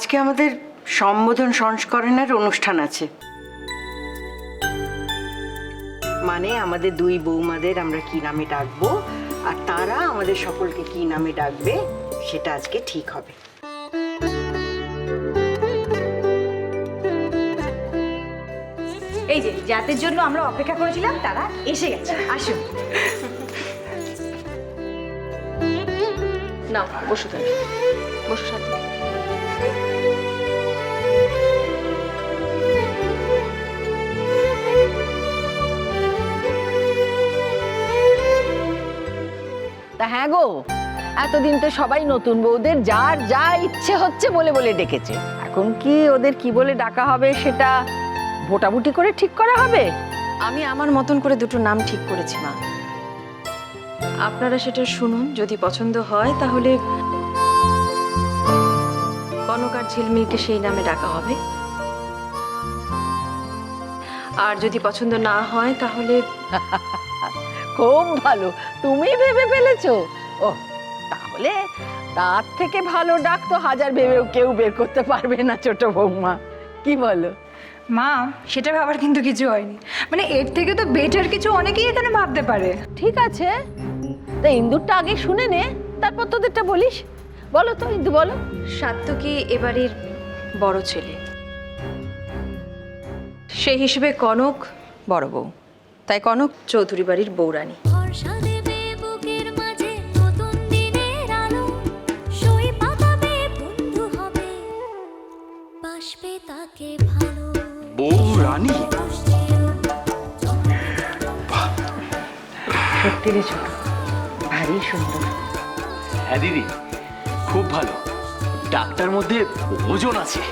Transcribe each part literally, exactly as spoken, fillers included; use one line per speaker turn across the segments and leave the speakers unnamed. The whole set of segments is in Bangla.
আজকে আমাদের সম্বোধন সংস্করণের অনুষ্ঠান আছে। মানে আমাদের দুই বৌমাদের আমরা কি নামে ডাকবো আর তারা আমাদের সকলকে কি নামে ডাকবে সেটা আজকে ঠিক হবে।
এই যে যাদের জন্য আমরা অপেক্ষা করেছিলাম তারা এসে গেছে, আসুন।
না বসো তুমি, বসো সাথে।
তা হ্যাঁ গো, এতদিন তো সবাই নতুন বউদের যার যা ইচ্ছে হচ্ছে বলে বলে ডেকেছে। এখন কি ওদের কি বলে ডাকা হবে সেটা ভোটাভুটি করে ঠিক করা হবে?
আমি আমার মতন করে দুটো নাম ঠিক করেছি মা, আপনারা সেটা শুনুন। যদি পছন্দ হয় তাহলে কনক আর ঝিলমিলকে সেই নামে ডাকা হবে, আর যদি পছন্দ না হয় তাহলে
খুব ভালো, তুমি ভেবে ফেলেছো। ও তাহলে তার থেকে ভালো ডাক তো হাজার ভেবেও কেউ বের করতে পারবে না ছোট বৌমা, কি বলো?
মা সেটা ভাবার কিন্তু কিছু হয়নি, মানে এর থেকে তো বেটার কিছু অনেকেই এখানে ভাবতে পারে।
ঠিক আছে, তা ইন্দুরটা আগে শুনে নে, তারপর তোদেরটা বলিস। বলো তো ইন্দু, বলো।
সাত্তকী এবারের বড় ছেলে, সেই হিসেবে কনক বড় বউ, তাই কনক চৌধুরী বাড়ির বউরানী।
বউরানী?
সত্যি রে ছোট, ভারী সুন্দর।
হ্যাঁ দিদি, খুব ভালো। ডাক্তার মধ্যে ওজন আছে।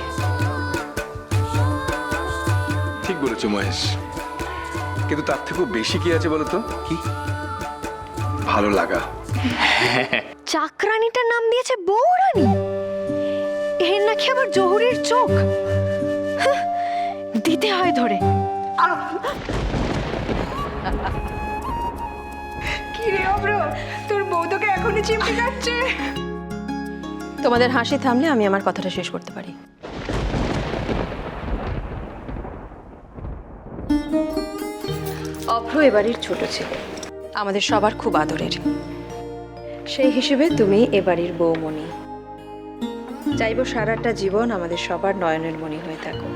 ঠিক বলেছো মহেশ, কিন্তু তার থেকেও বেশি কি আছে বলতো?
কি?
ভালো লাগা।
চাকরানিটার নাম দিয়েছে বউরানী, এর নাকি আবার জহুরির চোখ। হাহ, দিতে হয় ধরে। কি রে অব্র, তোর বউ তোকে এখনই চিমটি কাটছে।
তোমাদের হাসি থামলে আমি আমার কথাটা শেষ করতে পারি। অভ্র এ বাড়ির ছোট ছেলে, আমাদের সবার খুব আদরের। সেই হিসেবে তুমি এ বাড়ির বৌমণি। চাইবো সারাটা জীবন আমাদের সবার নয়নের মণি হয়ে থাকো।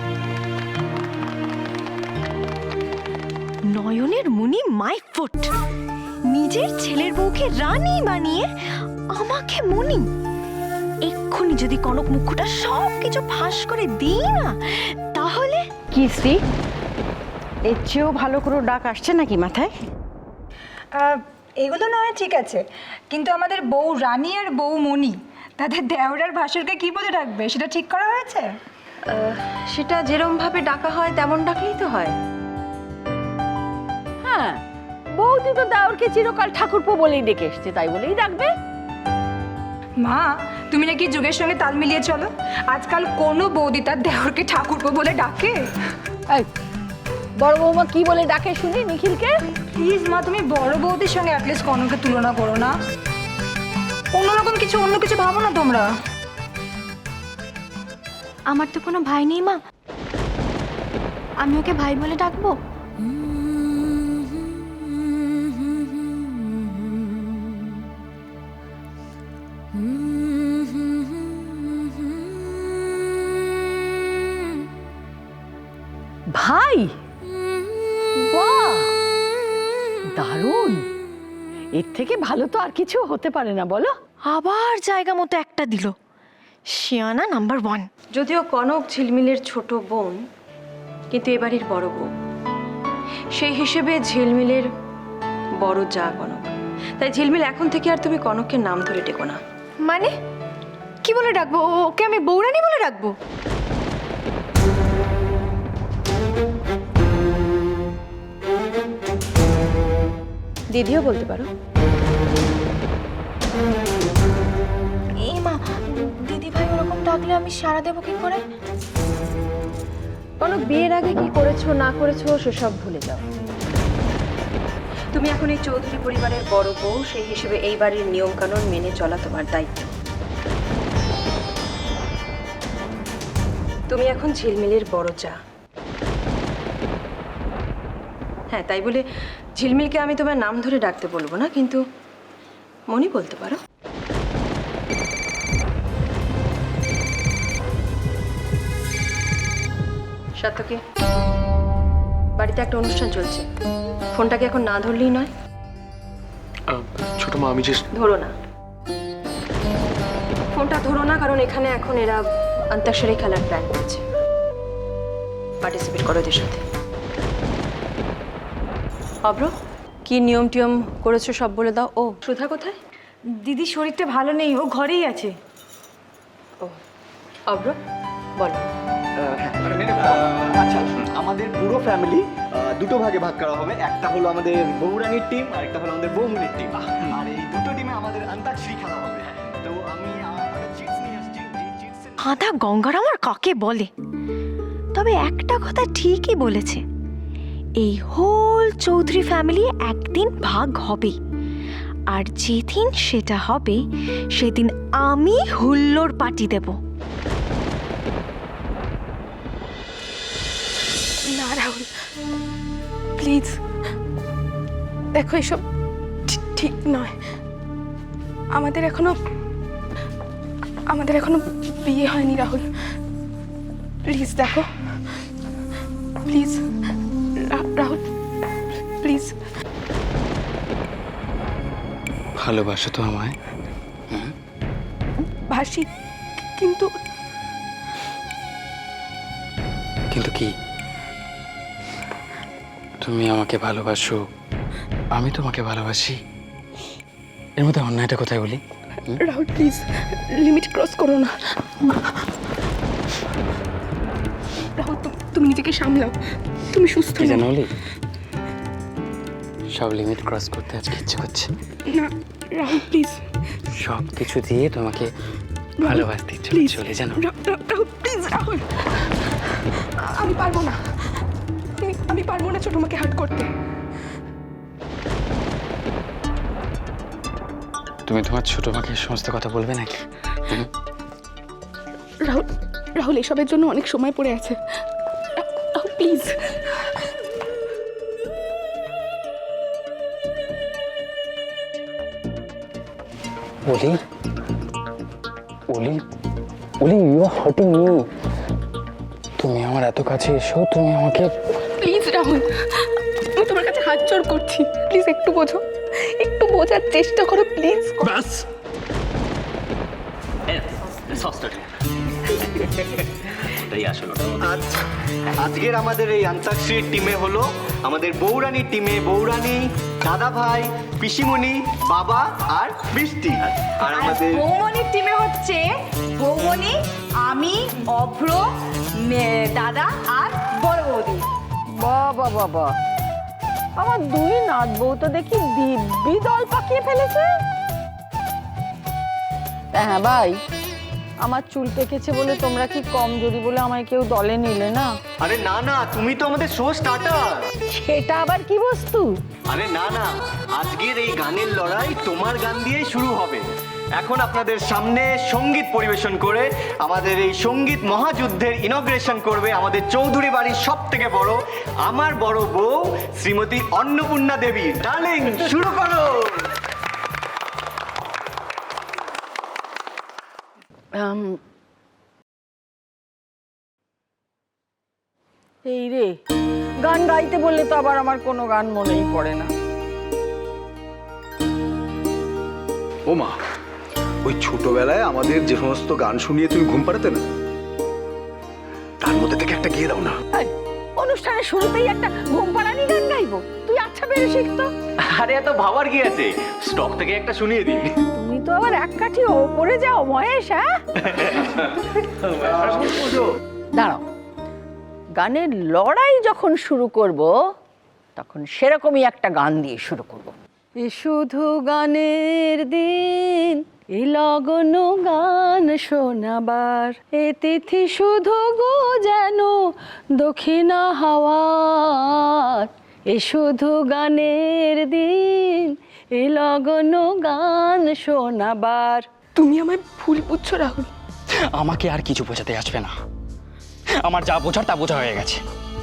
নয়নের মণি মাই ফুট, নিজের ছেলের বউকে রানী বানিয়ে আমাকে মণি। এক্ষুনি যদি কনক মুখটা সব কিছু ফাঁস করে দিই না, তাহলে
কি শ্রী, এর চেয়েও ভালো করে ডাক আসছে নাকি মাথায়?
এগুলো নয় ঠিক আছে, কিন্তু আমাদের বউ রানী আর বউ মণি তাদের দেওরার ভাসুরকে কি বলে ডাকবে সেটা ঠিক করা হয়েছে?
সেটা যেরম ভাবে ডাকা হয় তেমন ডাকলেই তো হয়।
হ্যাঁ, বৌদি তো দেওরকে চিরকাল ঠাকুরপো বলেই ডেকে এসছে, তাই বলেই ডাকবে।
মা তুমি নাকি যুগের সঙ্গে তাল মিলিয়ে চলো, আজকাল কোনো বৌদি তার দেওরকে ঠাকুরপো বলে ডাকে?
এই, বড় বৌমা কি বলে ডাকে শুনি নিখিলকে?
প্লিজ মা, তুমি বড় বৌদির সঙ্গে অ্যাটলিস্ট কনককে তুলনা করো না। অন্যরকম কিছু অন্য কিছু ভাবো না তোমরা।
আমার তো কোনো ভাই নেই মা, আমি ওকে ভাই বলে ডাকবো?
ভাই? বাহ, দারুণ! এর থেকে ভালো তো আর কিছু হতে পারে না, বলো?
আবার জায়গা মতো একটা দিল, শিয়ানা নাম্বার ওয়ান।
যদিও কনক ঝিলমিলের ছোট বোন, কিন্তু এ বাড়ির বড় বউ। সেই হিসেবে ঝিলমিলের বড় যা কনক, তাই ঝিলমিল এখন থেকে আর তুমি কনককে নাম ধরে ডেকো না।
মানে কি বলে ডাকবো? ওকে আমি বউরানী বলে ডাকবো?
দিদিও বলতে পারো।
এই মা, দিদি ভাই ওরকম ডাকলে আমি সাড়া দেবো কি করে?
কনক, বিয়ের আগে কি করেছো না করেছো সেসব ভুলে যাও। তুমি এখন এই চৌধুরী পরিবারের বড় বউ, সেই হিসেবে এই বাড়ির নিয়ম কানুন মেনে চলা তোমার দায়িত্ব। তুমি এখন ঝিলমিলের বড় চা। হ্যাঁ, তাই বলে ঝিলমিলকে আমি তোমার নাম ধরে ডাকতে বলবো না, কিন্তু মনি বলতে পারো। সাতকে বাড়িতে একটা অনুষ্ঠান চলছে, ফোনটাকে এখন না ধরলেই নয়।
ছোট মা আমি যে
ধরো না, ফোনটা ধরো না, কারণ এখানে এখন এরা অন্তাক্ষরী খেলার প্ল্যান করছে। পার্টিসিপেট করো এদের সাথে। অব্র, কি নিয়ম টিয়ম করেছো সব বলে দাও। ও সুধা কোথায়?
দিদির শরীরটা ভালো নেই, ও ঘরেই আছে।
ও অব্র বলো।
আচ্ছা, আমাদের পুরো ফ্যামিলি দুটো ভাগে ভাগ করা হবে। একটা হলো আমাদের বৌরানির টিম আর একটা হলো আমাদের বৌমনির টিম। আর এই দুটো টিমে আমাদের অন্তাক্ষরী খেলা হবে। তো আমি চিটস নিয়ে আসছি।
আদা গঙ্গার আমার কাকে বলে, তবে একটা কথা ঠিকই বলেছে, এই হোল চৌধুরী ফ্যামিলি একদিন ভাগ হবে, আর যেদিন সেটা হবে সেদিন আমি হুল্লোড় পার্টি দেব।
না রাহুল, প্লিজ, দেখো এসব ঠিক নয়। আমাদের এখনো আমাদের এখনো বিয়ে হয়নি রাহুল। প্লিজ দেখো, প্লিজ রাহুল, প্লিজ।
ভালোবাসো তো আমায়?
ভাসি, কিন্তু
কিন্তু কি? তুমি আমাকে ভালোবাসো, আমি তোমাকে ভালোবাসি, এর মধ্যে অন্যায়টা কোথায় বলি?
রাহুল প্লিজ, লিমিট ক্রস করো না। রাহুল তুমি নিজেকে সামলাও, তুমি সুস্থ
কি
নও।
জানো বলি, সব লিমিট ক্রস করতে আজকে ইচ্ছে করছে।
না রাহুল প্লিজ,
সব কিছু দিয়ে তোমাকে ভালোবাসতে ইচ্ছে
প্লিজ
চলে জানো।
রাহুল প্লিজ, রাহুল আমি পারবো না, আমি আমি পারবো না ছোট মাকে হার্ট করতে।
তুমি তোমার ছোট মাকে সমস্ত কথা বলবে নাকি?
রাহুল রাহুল এসবের জন্য অনেক সময় পড়ে আছে। রাহুল প্লিজ।
ওলি, ওলি, ওলি, ইউ আর হার্টিং মি। তুমি আমার এত কাছে এসো, তুমি আমাকে
প্লিজ রাহুল, আমি তোমার কাছে হাত জোড় করছি, প্লিজ একটু বোঝো, একটু বোঝার চেষ্টা করো প্লিজ।
ব্যাস সস্তাটা ওটাই আসলে
আজ আজকের আমাদের এই অন্তাক্ষরীর টিমে হলো আমাদের বৌরানির টিমে বৌরানি, দাদা ভাই, পিসিমণি, বাবা আর বৃষ্টি। আর আমাদের
বৌমনির টিমে হচ্ছে বৌমনি, আমি, অভ্র, মে- দাদা আর বড় বৌদি।
বাবা বাবা, আমার দুই নাত বউ তো দেখি দিব্যি দল পাকিয়ে ফেলেছে। হ্যাঁ ভাই, আমার চুল পেকেছে বলে তোমরা কি কমজোরি বলে আমায় কেউ দলে নিলে না?
আরে না না, তুমি তো আমাদের শো স্টার্টার।
সেটা আবার কি বস্তু?
আরে না না, আজকের এই গানের লড়াই তোমার গান দিয়েই শুরু হবে। এখন আপনাদের সামনে সঙ্গীত পরিবেশন করে আমাদের এই সঙ্গীত মহাযুদ্ধের ইনগ্রেশন করবে আমাদের চৌধুরী বাড়ির সব থেকে বড়, আমার বড় বউ শ্রীমতী অন্নপূর্ণা দেবী। ডার্লিং, শুরু করো।
আম, এই রে, গান গাইতে বললে তো আবার আমার কোনো গান মনেই পড়ে না।
ও মা, ওই ছোটবেলায় আমাদের যে সমস্ত গান শুনিয়ে তুমি ঘুম পাড়াতে না, তার মধ্যে থেকে একটা গিয়ে দাও না।
এই, অনুষ্ঠানের শুরুতেই একটা ঘুম পাড়ানি গান গাইবো? তুই আচ্ছা বেড়ে শিখতো।
আরে এত ভাবার কি আছে, স্টক থেকে একটা শুনিয়ে দিই।
তুমি তো আবার এক কাঠি ওপরে যাও মহেশ। হ্যাঁ দাঁড়াও, গানের লড়াই যখন শুরু করব তখন সেরকমই একটা গান দিয়ে শুরু করব। এ শুধু গানের দিন, এ লগন গান শোনাবার, এ তিথি শুধু গো যেন দক্ষিণা হাওয়ার। এ শুধু গানের দিন, এ লগন গান শোনাবার।
তুমি আমায় ভুল বুঝছো রাহুল।
আমাকে আর কিছু বোঝাতে আসবে না, আমার যা বোঝার তা বোঝা হয়ে গেছে।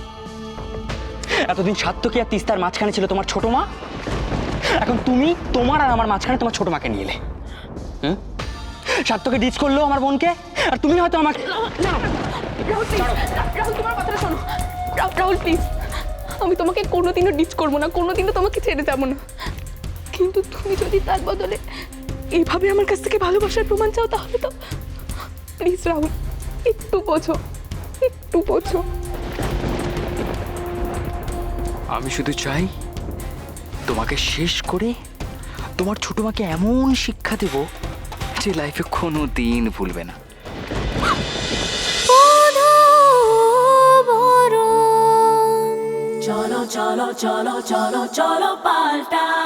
এতদিন সাত্তকী আর তিস্তার মাঝখানে ছিল তোমার ছোট মা, এখন তুমি তোমার আর আমার মাঝখানে তোমার ছোট মাকে নিয়ে এলে। হুম, সাত্তকে ডিচ করলো আমার বোনকে, আর তুমি হয়তো আমাকে
রাহুল প্লিজ, রাহুল তোমার কথাটা শোনো। রা- রাহুল প্লিজ, আমি তোমাকে কোনোদিনও ডিচ করবো না, কোনোদিনও তোমাকে ছেড়ে যাবো না, কিন্তু তুমি যদি তার বদলে এইভাবে আমার কাছ থেকে ভালোবাসার প্রমাণ চাও তাহলে তো প্লিজ রাহুল, একটু বোঝো, একটু বোঝো।
আমি শুধু চাই তোমাকে শেষ করে তোমার ছোট মাকে এমন শিক্ষা দেব যে লাইফে কোনো দিন ভুলবে না।
cholo cholo cholo cholo cholo paltai